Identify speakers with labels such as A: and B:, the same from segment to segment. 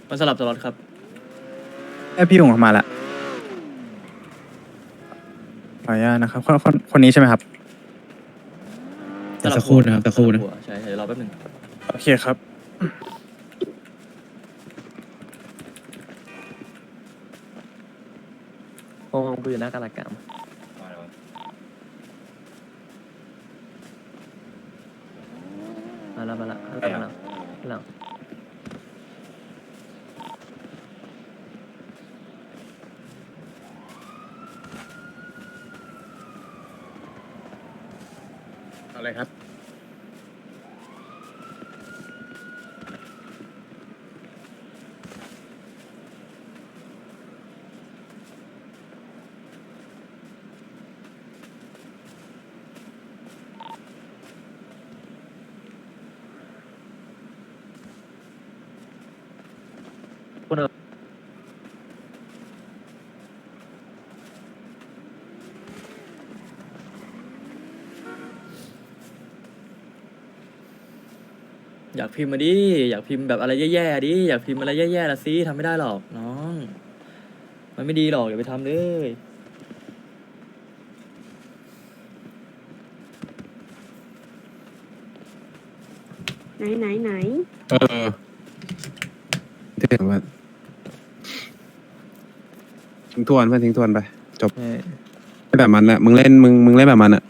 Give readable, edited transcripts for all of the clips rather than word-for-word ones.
A: มันสลับตลอดครับ
B: พี่หงมาละขออนุญาตนะครับคนนี้ใช่ไหมครับ
C: สักครู่นะครับสักครู่นะ
A: ใช่เดี๋ยวรอแป๊บนึง
B: โอเคครับ
D: โอ้กูอยู่หน้ากาลกรรมมาแล้ว
B: อะไรครับ
A: อยากพิมพ์มาดิอยากพิมพ์แบบอะไรแย่ๆดิอยากพิมพ์อะไรแย่ๆละสิทำไม่ได้หรอกน้องมันไม่ดีหรอกอย่าไปทำเลย
E: ไหน
C: เออที่ถึงว่าทิ้งทวนเพื่อนทิ้งทวนไปจบไม่แบบมันแหละมึงเล่นแบบมันอะ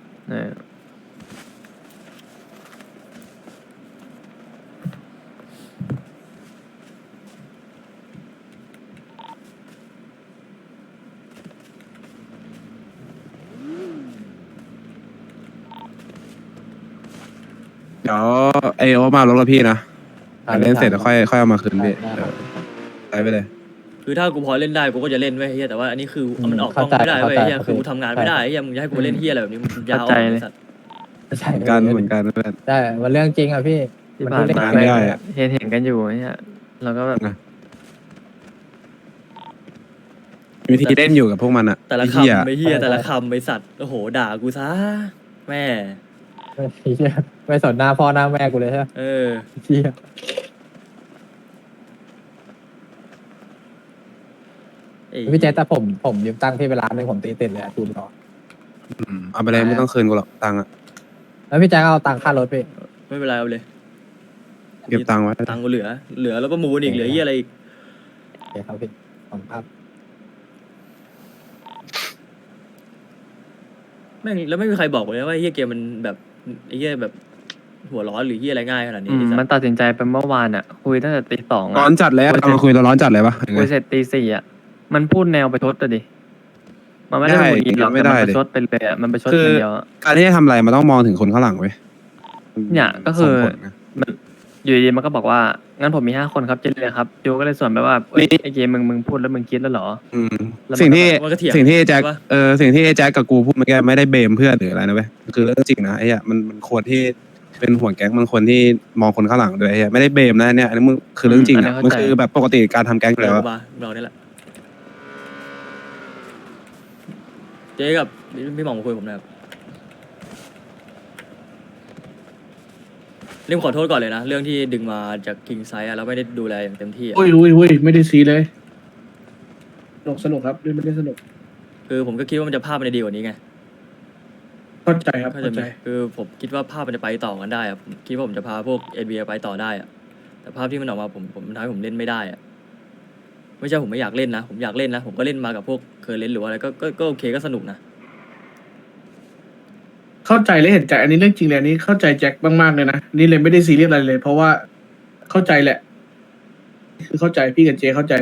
C: เดี๋ยวไอโอมารถกับพี่นะเล่นเสร็จแล้วค่อยเอามาคืนพี่ใช้ไปเลย
A: คือถ้ากูพอเล่นได้กูก็จะเล่นไว้ยเฮียแต่ว่าอันนี้คือมันออกกล้องไม่ได้เว้ยเฮียคือกูทำงานไม่ได้เฮียมึงจะให้กูเล่นเฮียอะไรแบบนี้มึงยาวไอ้สัตว์
F: ใช่
C: เหมือนกันเพื่อน
F: ได้มันเรื่องจริงอ่ะพี่
D: ที่ผ่าน
F: เล่น
D: มา
C: ไม่ได้อะ
D: เห็นกันอยู่เนี่ยเราก็แบบ
C: วิธีเล่นอยู่กับพวกมันอะ
A: แต่ละ
C: ไอ้เหี้ย
A: คำไอ้เฮียแต่ละคำไอ้สัตว์โอ้โหด่ากูซะแม่
F: ไม่สนหน้าพ่อหน้าแม่กูเลยใช่ไหม
A: เออ
F: เชี่ย
A: ไอ้
F: พี่เจแต่ผมยืมตังค์พี่ไปร้านนึงผมตีติดเลยคูณต่อ
C: เอาไปเลยไม่ต้องคืนกูหรอกตังค์อะ
F: แล้วพี่แจ็คเอาตังค่ารถพี่
A: ไม่เป็นไรเอาเลย
C: เก็บตังค์ไว้
A: ตังค์กูเหลือแล้วก็มูนอีกเหลือเฮียอะไรอีก
F: โอเคครับพี่ผมครับ
A: แม่งแล้วไม่มีใครบอกเลยว่าเฮียเกมมันแบบไอ้เฮียแบบหัวร้อนหรือเฮียอะไรง่ายขนาดนี้ไอ้สั
D: มัน
A: ตว์
D: ตัดสินใจไปเมื่อวานอ่ะ คุยตั้งแต่ตี 2
C: ร้อ
D: อ่ะ
C: นจัดเลยอะตอนมาคุยเราร้อนจัดเลยปะยังไง
D: คุยเสร็จตี 4อ่ะมันพูดแนวไปชดอะดิมันไม่ได้
C: ได้
D: หงุดหงิดหรอก
C: ไม่
D: แต่
C: ได้
D: มันไป
C: ดิ
D: ชดไปเลยอ่ะมันไปชด
C: คือ
D: คนเดียวอะ
C: การที่จะทำอะไรมันต้องมองถึงคนข้างหลังเว้ย
D: เนี่ยก็คือ
C: ส่งผลนะ
D: มันอยู่ดีๆมันก็บอกว่างั้นผมมี5 คนครับเจเลยครับจูก็เลยส่วนไปว่าเอ้ยไอเกมมึงพูดแล้วมึงคิดแล้วเหรอ
C: อืม
D: แล้วมัน
C: สิ่งที่
A: มันก็เถียง
C: สิ่งที่ไอ้แจ็ค
A: ใช่ปะ
C: สิ่งที่ไอ้แจ็คกับกูพูดเมื่อกี้ไม่ได้เบมเพื่อนหรืออะไรนะเว้ยคือเรื่องจริงนะไอ้เหี้ยมันควรที่เป็นหัวแก๊งมันควรที่มองคนข้างหลังด้วยไอ้เหี้ยไม่ได้เบมนะเนี่ยอันนี้มึงคือเรื่องจริง
D: อันนี้
C: อะ
D: เข้าใจ
C: มันคือแบบปกติการทำแก๊งอยู่
A: เดี๋
C: แล้
A: ยว ว
C: อะ
A: มาเราเนี่ยแหละเจ๊กับพี่หม่องมาคุยกับผมหนะครับเรื่องขอโทษก่อนเลยนะเรื่องที่ดึงมาจากคิงไซด์แล้วไม่ได้ดูแลอย่างเต็มที่อะ
G: อุ้ยไม่ได้ซีเลยสนุกครับเล่นไม่ได้สนุก
A: คือผมก็คิดว่ามันจะภาพมันจะดีกว่านี้ไง
G: เข้าใจครับ
A: เข้าใจ
G: เข้า
A: ไห
G: ใจ
A: มคือผมคิดว่าภาพมันจะไปต่อกันได้อะผมคิดว่าผมจะพาพวกเอ็นบีไปต่อได้อะแต่ภาพที่มันออกมาผมทำให้ผมเล่นไม่ได้อะไม่ใช่ผมไม่อยากเล่นนะผมอยากเล่นนะผมก็เล่นมากับพวกเคยเล่นหรือว่าอะไรก็โอเคก็สนุกนะ
G: เข้าใจและเห็นใจอันนี้เรื่องจริงเลยอันนี้เข้าใจแจ็คมากๆเลยนะนี่เลยไม่ได้ซีเรียสอะไรเลย เพราะว่าเข้าใจแหละ คือเข้าใจพี่กับเจเข้าใจ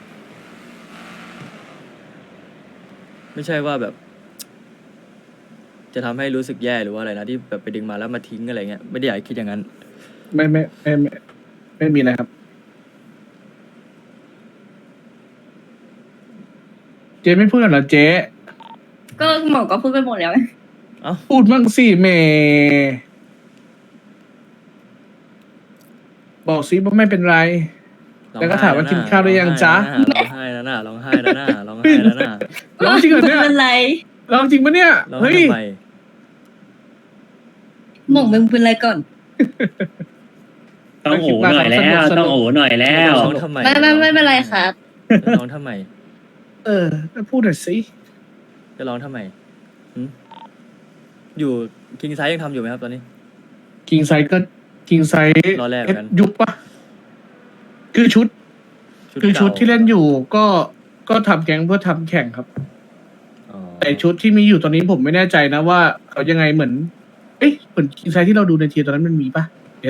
A: ไม่ใช่ว่าแบบ จะทำให้รู้สึกแย่หรือว่าอะไรนะที่แบบไปดึงมาแล้วมาทิ้งอะไรเงี้ยไม่ได้อยากให้คิดอย่างนั้น
G: ไม่มีอะไรครับ เจไม่พูดเหรอเจ
E: ก็หมอก็พูดไปหมดแล้ว
G: พูดบ้างสิแหม่บอกสิว่าไม่เป็นไร แล้วก็ถามว่ากินข้าวหรือยังจ๊ะ
A: ร้องไห้แล้วนะร้องไห้แล้วนะร้องไห้แล้วนะ
G: ร้องจริงเหรอเนี่ย
E: ไม่เป็นไร
G: ร้องจริงปะเนี่ย
A: ร้อง
G: เฮ้
A: ไห้
G: ย
A: ทำไม
E: หมองมึงเป็นไรก่อน
H: ต้องโอ้หน่อยแล้ว ต้องโอ้หน่อยแล้ว
A: ร้องทำไม
E: ไม่เป็นไรครับ
A: จะร้องทำไม
G: พูดหน่อยสิ
A: จะร้องทำไมหึอยู่คิงไซยังทำอยู่ไหมครับตอนนี้
G: คิงไซก็คิงไซ
A: รอแรกเหมือนกัน
G: ยุบปะคือชุด คือชุด
A: ก่า
G: ที่เล่นอยู่ก็ทำแก๊งเพื่อทำแข่งครับ
A: อ๋อ
G: แต่ชุดที่มีอยู่ตอนนี้ผมไม่แน่ใจนะว่าเขายังไงเหมือน เอ๊ะเหมือนคิงไซที่เราดูในทีตอนนั้นมันมีปะ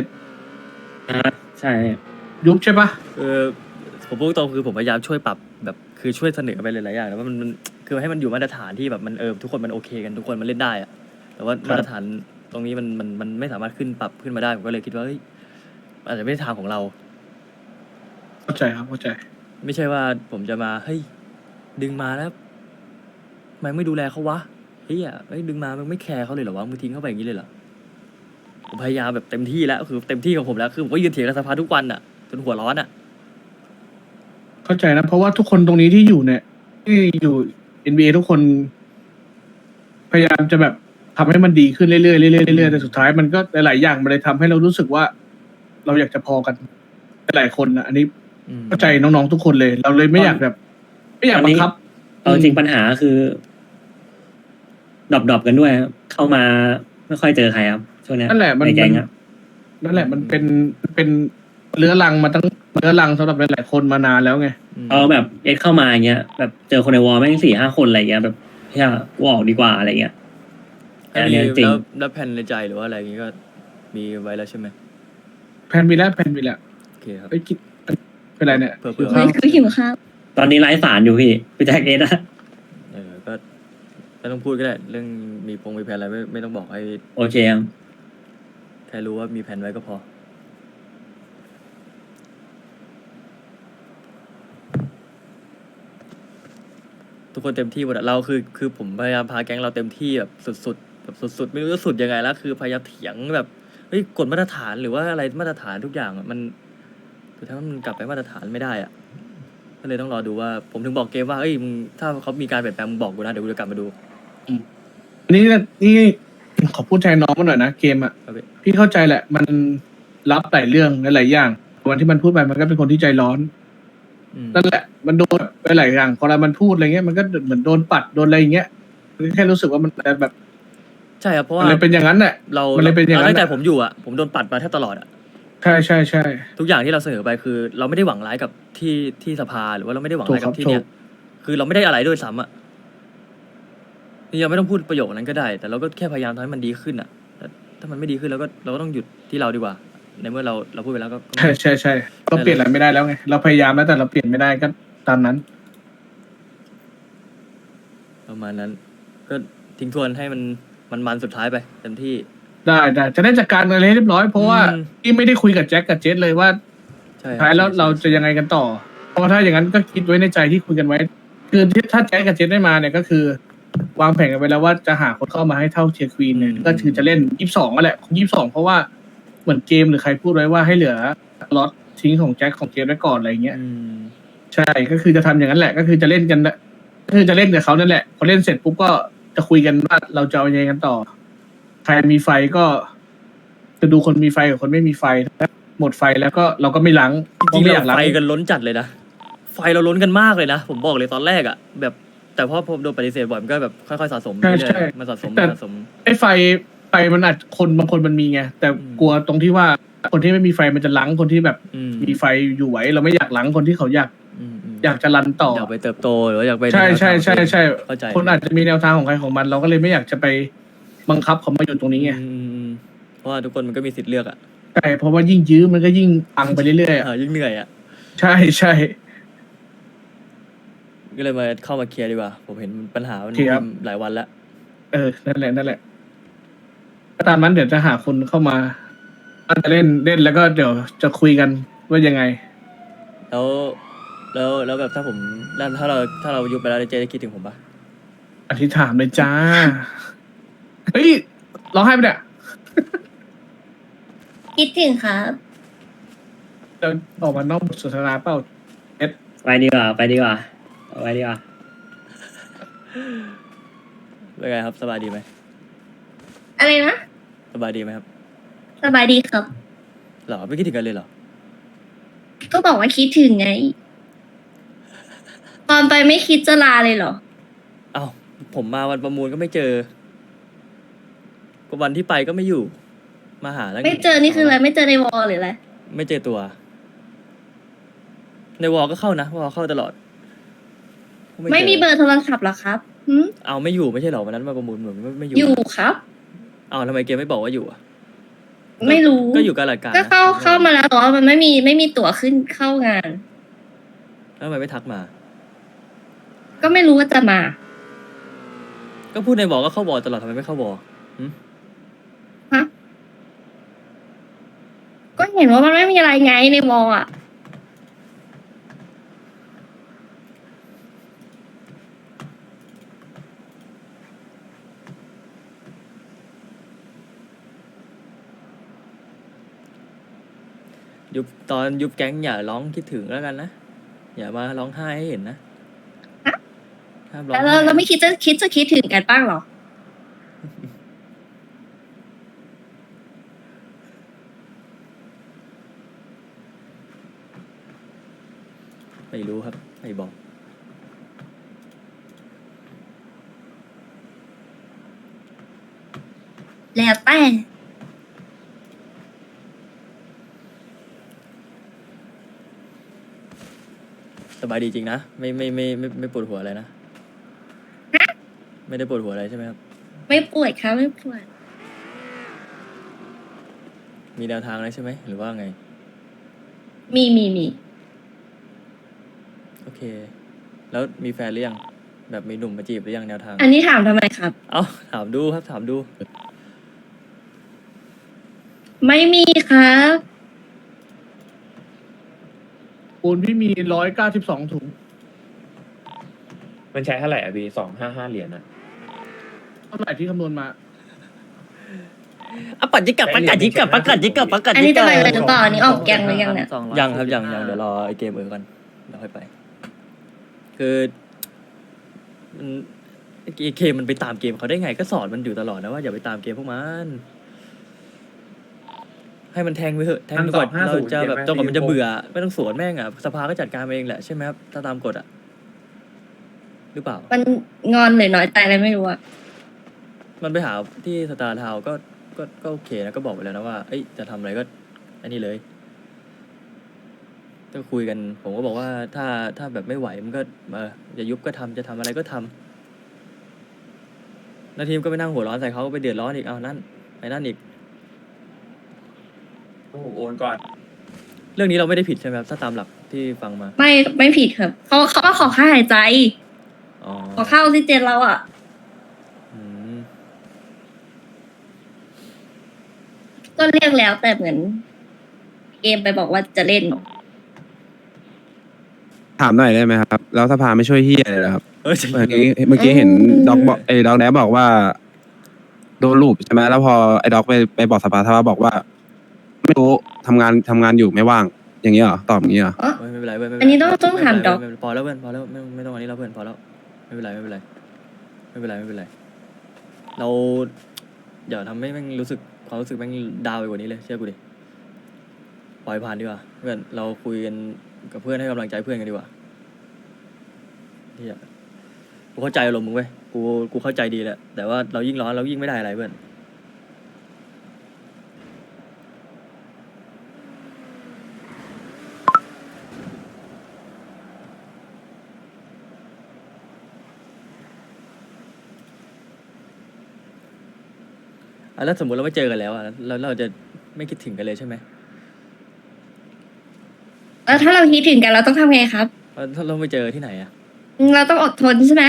H: ใช่
G: ยุบใช่ปะ
A: ผมพูดตรงคือผมพยายามช่วยปรับแบบคือช่วยเสนอไปหลายๆอย่างแต่ว่ามันคือให้มันอยู่มาตรฐานที่แบบมันทุกคนมันโอเคกันทุกคนมันเล่นได้อะแต่ว่ามาตรฐานตรงนี้มันไม่สามารถขึ้นปรับขึ้นมาได้ผมก็เลยคิดว่าเฮ้ยอาจจะไม่ใช่ทางของเรา
G: เข้าใจครับเข้าใจ
A: ไม่ใช่ว่าผมจะมาเฮ้ยดึงมาแล้วทำไมไม่ดูแลเขาวะเฮ้ยดึงมามึงไม่แคร์เขาเลยเหรอวะมึงทิ้งเขาไปอย่างนี้เลยเหรอผมพยายามแบบเต็มที่แล้วคือเต็มที่ของผมแล้วคือผมก็ยืนเถียงกับสภาทุกวันอ่ะจนหัวร้อนอ่ะ
G: เข้าใจนะเพราะว่าทุกคนตรงนี้ที่อยู่เนี่ยที่อยู่ NBA ทุกคน พยายามจะแบบทำให้มันดีขึ้นเรื่อยๆเรื่อยๆเรื่อยๆแต่สุดท้ายมันก็หลายๆอย่างมันเลยทำให้เรารู้สึกว่า เราอยากจะพอกันหลายคนนะอันนี้เข้าใจน้องๆทุกคนเลย เราเลยไม่อยากแบบ ไม่อยากบังคับ
H: เอาจริงปัญหาคือดรอปกันด้วยครับเข้ามาไม่ค่อยเจอใครครับช่วงเนี้ย
G: นั่นแหละมัน
H: ในแก๊งอะ
G: นั่นแหละมันเป็นเรื้อรังมาตั้งเรื้อรังสำหรับหลายๆคนมานานแล้วไง
H: เอาแบบเอ็กเข้ามาอย่างเงี้ยแบบเจอคนในวอลแม่ง4-5 คนอะไรเงี้ยแบบเฮียกูออกดีกว่าอะไรเงี้ย
A: แล้ว
H: อันเนี้ยจริง
A: แล้วแผนในใจหรือว่าอะไรอย่างงี้ก็มีไว้แล้วใช่ไหม
G: แพนมีแล้วแพนมีแล้ว
A: โอเคครับ
G: ไอ้ยคิดเป็นไรเนี่ย
A: เผื่อ
G: หิวข้าว
E: คือหิวข้าว
H: ตอนนี้ไร้สารอยู่พี่แจ็คเอ็ดอะ
A: ก็ไม่ต้องพูดก็ได้เรื่องมีแผนอะไรไม่ต้องบอกให้
H: โอเคครับ
A: แค่รู้ว่ามีแผนไว้ก็พอทุกคนเต็มที่หมดอะเราคือผมพยายามพาแก๊งเราเต็มที่แบบสุดๆแบบสุดๆไม่รู้จะสุดยังไงแล้วคือพยายามเถียงแบบเฮ้ยกฎมาตรฐานหรือว่าอะไรมาตรฐานทุกอย่างอะมันคือถ้ามันกลับไปมาตรฐานไม่ได้อะก็เลยต้องรอดูว่าผมถึงบอกเกมว่าเอ้ยมึงถ้าเขามีการเปลี่ยนแปลงมึงบอกกูนะเดี๋ยวกูจะกลับมาดู
G: นี่ขอพูดแทนน้องมาหน่อยนะเกมอ่ะ
A: ครับพี่
G: พี่เข้าใจแหละ มันรับหลายเรื่องหลายอย่างวันที่มันพูดไปมันก็เป็นคนที่ใจร้อน
A: อืม
G: นั่นแหละมันโดนไปหลายอย่างพอเรามันพูดอะไรเงี้ยมันก็เหมือนโดนปัดโดนอะไรอย่างเงี้ยแค่รู้สึกว่ามันแบบ
A: ใช่ครับเพราะ
G: มั
A: ว่าน
G: เลยเป็นอย่างนั้นแหละ
A: เรา
G: มันเลยเป็นอย่างนั้น
A: ตั้งแต่
G: อะ
A: ผมอยู่อ่ะผมโดนปัดมาแทบตลอดอ่ะ
G: ใช่ใช่ใช่
A: ทุกอย่างที่เราเสนอไปคือ เราไม่ได้หวังร้ายกับที่สภาหรือว่าเราไม่ได้หวังร้ายกับที่
G: ถูก
A: เนี้
G: ครั
A: ย
G: บ
A: คือเราไม่ได้อะไรด้วยซ้ำอ่ะนี่เราไม่ต้องพูดประโยคนั้นก็ได้ แต่เราก็แค่พยายามทำให้มันดีขึ้นอ่ะแต่ถ้ามันไม่ดีขึ้นเราก็ต้องหยุดที่เราดีกว่า ในเมื่อเราพูดไปแล้วก็
G: ใช่ใช่ใช่เราเปลี่ยนอะไรไม่ได้แล้วไงเราพยายามแล้วแต่เราเปลี่ยนไม่ได้ก็ตามนั้น
A: ประมาณนั้น ก็ทิ้งทวนให้มันสุดท้ายไปเต็มที่
G: ได้จะได้จัดการอะไรให้เรียบร้อยเพราะว่า
A: อืม
G: พี่ไม่ได้คุยกับแจ็คกับเจสเลยว่า
A: ใช่
G: สุดท้ายแล้วเราจะยังไงกันต่อ เพราะว่าถ้าอย่างนั้นก็คิดไว้ในใจที่คุยกันไว้ คือถ้าแจ็คกับเจสได้มาเนี่ยก็คือ วางแผนกันไว้แล้วว่าจะหาคนเข้ามาให้เท่าเชียร์ควีนเนี่ยก็คือจะเล่น22นั่นแหละ22เพราะว่าเหมือนเกมหรือใครพูดไว้ว่าให้เหลือล็อตทิ้งของแจ็คของเจสไว้ก่อนอะไรเงี้ย
A: อืม
G: ใช่ก็คือจะทำอย่างนั้นแหละ ก็คือจะเล่นกันนะก็คือจะเล่นกับเขานั่นแหละพอเล่นเสร็จปุ๊บก็จะคุยกันว่าเราจะเอายังไงกันต่อ ใครมีไฟก็จะดูคนมีไฟกับคนไม่มีไฟถ้าหมดไฟแล้วก็เราก็ไม่ล้าง
A: จริงๆ
G: ไม่อ
A: เรา
G: ยากล้าง
A: ไฟกันล้นจัดเลยนะไฟเราล้นกันมากเลยนะผมบอกเลยตอนแรกอ่ะแบบแต่พอผมโดนปฏิเสธบ่อยมันก็แบบค่อยๆสะสม
G: ใช่
A: เรื่
G: ใช่
A: อยๆมันสะสม
G: แต่
A: มันสะสม
G: ไอ้ไฟมันอาจคนบางคนมันมีไงแต่
A: อืม
G: กลัวตรงที่ว่าคนที่ไม่มีไฟมันจะล้างคนที่แบบ
A: อืม
G: มีไฟอยู่ไหวเราไม่อยากล้างคนที่เขาอยาก
A: อืม
G: อยากจะรันต่อ
A: อยากไปเติบโตหรือว่าอยากไป
G: ใช่ใช่ใช่ใช่
A: เข้าใจ
G: คนอาจจะมีแนวทางของใครของมัน เราก็เลยไม่อยากจะไปบังคับเขามาอยู่ตรงนี้ไง
A: อืมเพราะว่าทุกคนมันก็มีสิทธิ์เลือกอ่ะ
G: ใช่เพราะว่ายิ่งยื้อมันก็ยิ่งพังไปเรื่อยๆอะ
A: ยิ่งเหนื่อยอ่ะ
G: ใช่ใช่
A: ก็เลยมาเข้ามาเคลียร์ดีกว่า ผมเห็นปัญหามัน
G: เคลียร์
A: หลายวันแล้ว
G: นั่นแหละก็ตามนั้นเดี๋ยวจะหาคนเข้ามาอาจจะเล่นแล้วก็เดี๋ยวจะคุยกันว่ายังไง
A: แล้วแบบถ้าผมแล้วถ้าเรายุบไปแล้วเจ๊จะคิดถึงผมปะ
G: อธิษฐานเลยจ้า เฮ้ยร้องไห้ไปะเนี่ย
E: คิดถึงครับ
G: เดี๋ยวออกมานอกบทสนทนาเปล่า
H: ไปดีกว่าเอาไว้ดีกว่า
A: เป็นไงครับสบายดีไหม
E: อะไรนะ
A: สบายดีไหมครับ
E: สบายดีครับ
A: เหรอไม่คิดถึงกันเลยเหรอ
E: ก็บอกว่าคิดถึงไง ตอนไปไม่คิดจะลาเลยเหรอ
A: เอ้าผมมาวันประมูลก็ไม่เจอก็วันที่ไปก็ไม่อยู่ มาหาแล้ว
E: ไม่เจอนี่คืออะไรไม่เจอในวอลหรืออะไร
A: ไม่เจอตัว ในวอลก็เข้านะวอลเข้าตลอดก็
E: ไม่
A: จ
E: มีเบอร์โทรศัพท์เหรอครับหืม
A: เอาไม่อยู่ไม่ใช่เหรอวันนั้นมาประมูลเหมือนไม่อยู่
E: อยู่ครับ
A: เอาทำไมเกมไม่บอกว่าอยู่อะ
E: ไม่รู้
A: ก็อยู่การหลักการ
E: ก็
A: นะ
E: เข้ามาแล้วแต่ว่ามันไม่มีตั๋วขึ้นเข้างาน
A: แล้วทำไมไม่ทักมา
E: ก็ไม่รู้ว่าจะมา
A: ก็พูดในวอลก็เข้าวอลตลอดทำไมไม่เข้าวอล
E: ฮะ ก็เห็นว่ามันไม่มีอะไรไงในวอลอ่ะ
A: ตอนยุบแก๊งอย่าร้องคิดถึงแล้วกันนะอย่ามาร้องไห้ให้เห็นนะ
E: ฮะ
A: ห้ามร้อง
E: แล้ว
A: ไห้
E: เราไม่คิดถึงกันบ้างเหรอ
A: ไม่รู้ครับไม่บอก
E: แล้วแต่
A: สบายดีจริงนะไม่ปวดหัวอะไรนะไม่ได้ปวดหัวอะไรใช่ไหมครับ
E: ไม่ป่วยครับไม่ป่วย
A: มีแนวทางอะไรใช่ไหมหรือว่าไง
E: มี
A: โอเค แล้วมีแฟนหรือยังแบบมีหนุ่มมาจีบหรือยังแนวทาง
E: อันนี้ถามทำไมครับ
A: เอ้าถามดูครับถามดู
E: ไม่มีครับ
G: ปูนพี่มี192 ถุง
F: มันใช้เท่าไหร่อ่ะพี่255 เหรียญอ่ะ
G: เท่าไหร่ที่คำนวณมา
A: อ่ะปัดจิกกับประกาศจิกกับประกาศจิกกับประกาศ
E: อัน
A: จิ
E: นี้
A: ก
E: จะ
A: กับ
E: ไปเลยหรือเปล่าอันนี้ออกแกงหรือยังเนี่ย
A: ยังครับยังเดี๋ยวรอไอเกมก่อนเดี๋ยวค่อยไป คือมันไอเกมมันไปตามเกมเขาได้ไงก็สอนมันอยู่ตลอดนะว่าอย่าไปตามเกมพวกมันให้มันแทงไปเถอะแทงดีกว่าเราจะแบบจนกว่ามันจะเบื่อไม่ต้องสวนแม่งอ่ะสภาก็จัดการเองแหละใช่ไหมครับถ้าตามกฎอ่ะหรือเปล่า
E: มันงอนหรือน้อยใจอะไรไม่รู้อะ
A: มันไปหาที่สตาร์ทาวน์ก็โอเคนะก็บอกไปแล้วนะว่าเอ้ยจะทำอะไรก็อันนี้เลยก็คุยกันผมก็บอกว่าถ้าแบบไม่ไหวมันก็อย่ายุบก็ทำจะทำอะไรก็ทำแล้วทีมก็ไปนั่งหัวร้อนใส่เขาก็ไปเดือดร้อนอีกเอานั่นไปนั่นอีก
F: โอนก่อน
A: เรื่องนี้เราไม่ได้ผิดใช่ไหมครับถ้าตามหลักที่ฟังมา
E: ไม่ผิดครับเขาว่าขอค่าหายใจ
A: อ๋อ
E: ขอค่าออกซิเจนเราอะ
A: อืม
E: ก็เรียกแล้วแต่เหมือน เกมไปบอกว่าจะเล่น
C: ถามหน่อยได้ไหมครับ แล้วสภาไม่ช่วยเฮียเลยเหรอครับ
A: เออ
C: เมื่อกี้เห็นด็อกบอกด็อกแดบบอกว่าโดนลูปใช่ไหมแล้วพอไอ้ด็อกไปบอกสภาบอกว่า ไม่รู้ทำงานอยู่ไม่ว่าง อย่างนี้เหรอตอบอย่างนี้เหรอ
E: อ๋อ
A: ไม่เป็นไรเว้ยไม่เป็
E: อันนี้ต้องถาม
A: ไเป็นไร
E: ด็อก
A: ไม่เป็นไรพอแล้วเพื่อนพอแล้วไม่ต้องอันนี้แล้วเพื่อนพอแล้วไม่เป็นไรไม่เป็นไรไม่เป็นไรไม่เป็นไรเราอย่าทำให้แม่งรู้สึกความรู้สึกแม่งดาวไปกว่านี้เลยเชื่อกูดิปล่อยผ่านดีกว่าเพื่อนเราคุยกันกับเพื่อนให้กำลังใจเพื่อนกันดีกว่าเฮียกูเข้าใจอารมณ์มึงเว้ยกูเข้าใจดีแหละแต่ว่าเรายิ่งร้อนเรายิ่งไม่ได้อะไรเพื่อนแล้วสมมติเราไม่เจอกันแล้วอ่ะแล้วเราจะไม่คิดถึงกันเลยใช่ไหม
E: แล้วถ้าเราคิดถึงกันเราต้องทำไงครับ
A: ถ้าเราไม่เจอที่ไหนอ่ะ
E: เราต้องอดทนใช่ไหม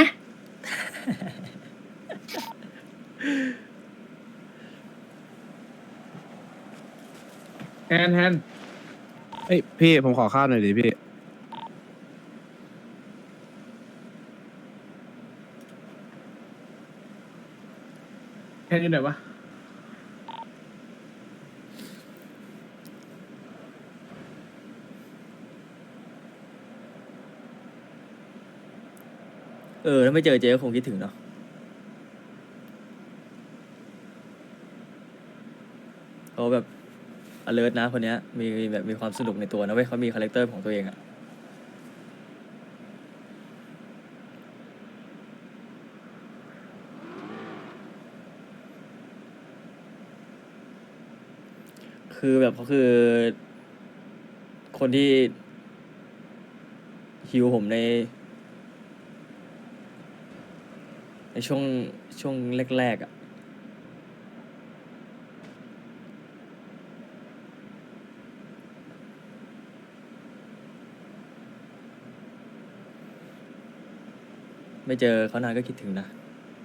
G: แฮน
C: เฮ้ยพี่ผมขอข้าวหน่อยดิพี่
G: อยู่ไหนวะ
A: ถ้าไม่เจอเจ๊ก็คงคิดถึงเนาะเขาแบบ alert นะคนเนี้ยมีแบบมีความสนุกในตัวนะเว้ยเขามีคาแรคเตอร์ของตัวเองอะคือแบบเขาคือ คนที่ฮิวผมในช่วงแรกๆอ่ะไม่เจอเขานานก็คิดถึงนะ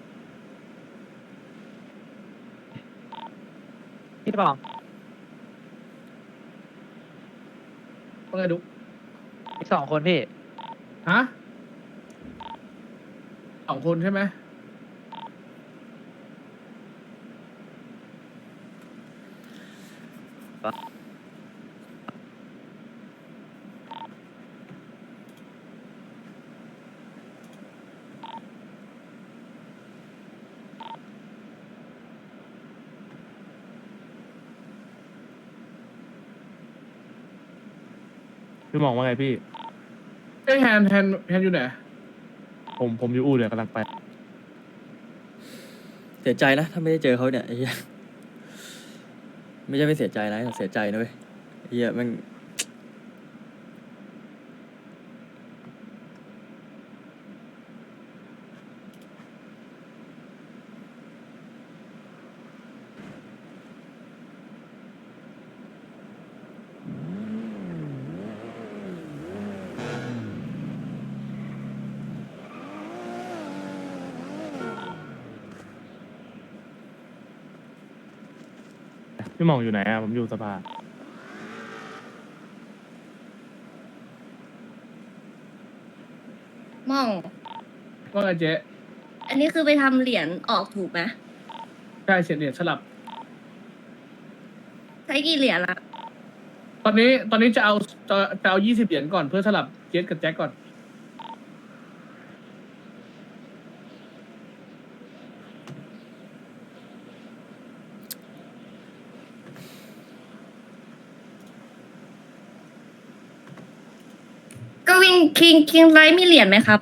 F: พี่บอก
G: ว่าไงดุ๊ก
F: อีก2 คนพี่
G: ฮะ2 คนใช่ไหม
I: พี่มองว่าไงพี่
G: ไอ้ยแฮนอยู่ไหน
I: ผมอยู่อู่เดี๋ยวกำลังไป
A: เสียใจนะถ้าไม่ได้เจอเขาเนี่ยไอ้เหี้ยไม่ใช่ไม่เสียใจนะแต่เสียใจนะเว้ยไอ้เหี้ยแมัน
I: พี่มองอยู่ไหนอ่ะ ผมอยู่สภา
E: มอง
G: ว่าไงเจ๊
E: อันนี้คือไปทำเหรียญออกถูกไหม
G: ใช่เสียเหรียญสลับ
E: ใช้กี่เหรียญละ
G: ตอนนี้จะเอา20 เหรียญก่อนเพื่อสลับเจสกับแจ็คก่อน
E: ก็วินคิงไลท์มีเหรียญไหมครับ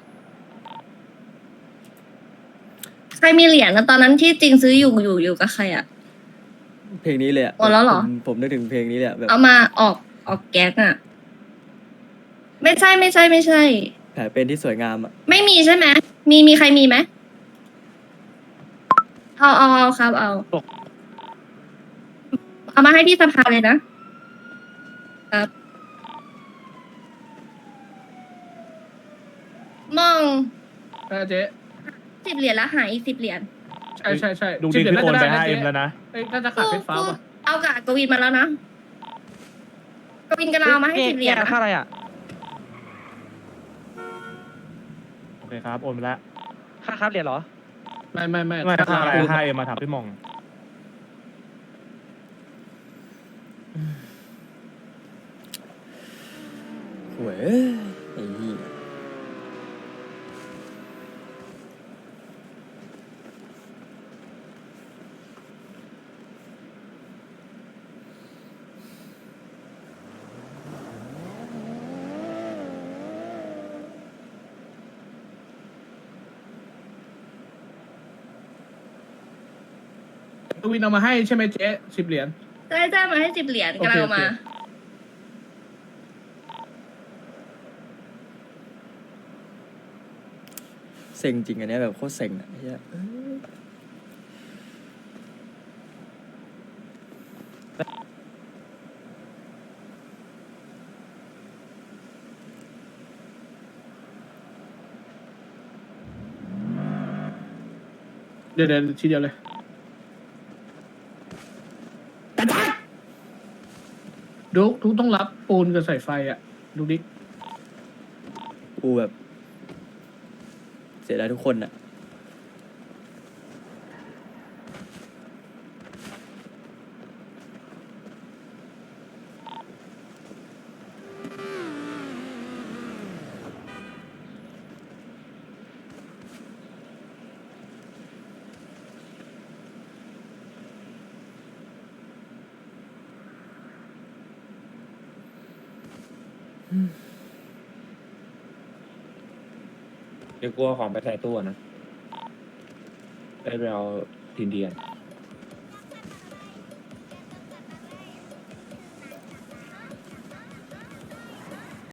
E: ใครมีเหรียญนะตอนนั้นที่จริงซื้ออยู่กับใครอะ
A: เพลงนี้เลยอะ
E: หมดแล้วเหรอ
A: ผมนึกถึงเพลงนี้เลยอะแบบ
E: เอามาออกแก๊กอะไม่ใช่
A: แผลเป็นที่สวยงามอะ
E: ไม่มีใช่ไหมมีใครมีไหมเอาครับเอามาให้ที่สภาเลยนะครับมอง
G: เจ๊
E: 10 เหรียญแล้วหายอีก10 เหรียญ
G: ใช่
I: ดูดิ
G: 10
I: พี่โอนไป
G: น่าจะด้
I: 5M
G: เจ๊
I: แล้วนะ
G: เอ้ยน่าจะขาดเพชรฟ้าว่ะ
E: เอากะกวินมาแล้วนะกวินกำลังเอามาให้10 เหรียญนะ
F: ค่าอะไรอ่ะ
I: โอเคครับ โอนไปแล้ว
F: ค่าครับเหรียญเหรอ
G: ไม่
I: ไม่ค่าอะไร 5M มาถามพี่มอง
A: โว้ยไอ้เหี้ย
G: กวินเอามาให้ใช่ไหมเจ๊10 เหรียญ
E: ได้มาให้10 เหรียญกำลังเอามา
G: โอเค
A: เซ็งจริงอันเนี้ยแบบโคตรเซ็งอะไอ้เหี้ยเอ้ย
G: เดี๋ยวทีเดียวเลยดุ๊กต้องรับปูนกับสายไฟอ่ะดูดิ
A: กูแบบ เสียดายทุกคนอะ
J: เดี๋ยวกลัวของไปใส่ตู้นะได้ไปเอาทีนเดียน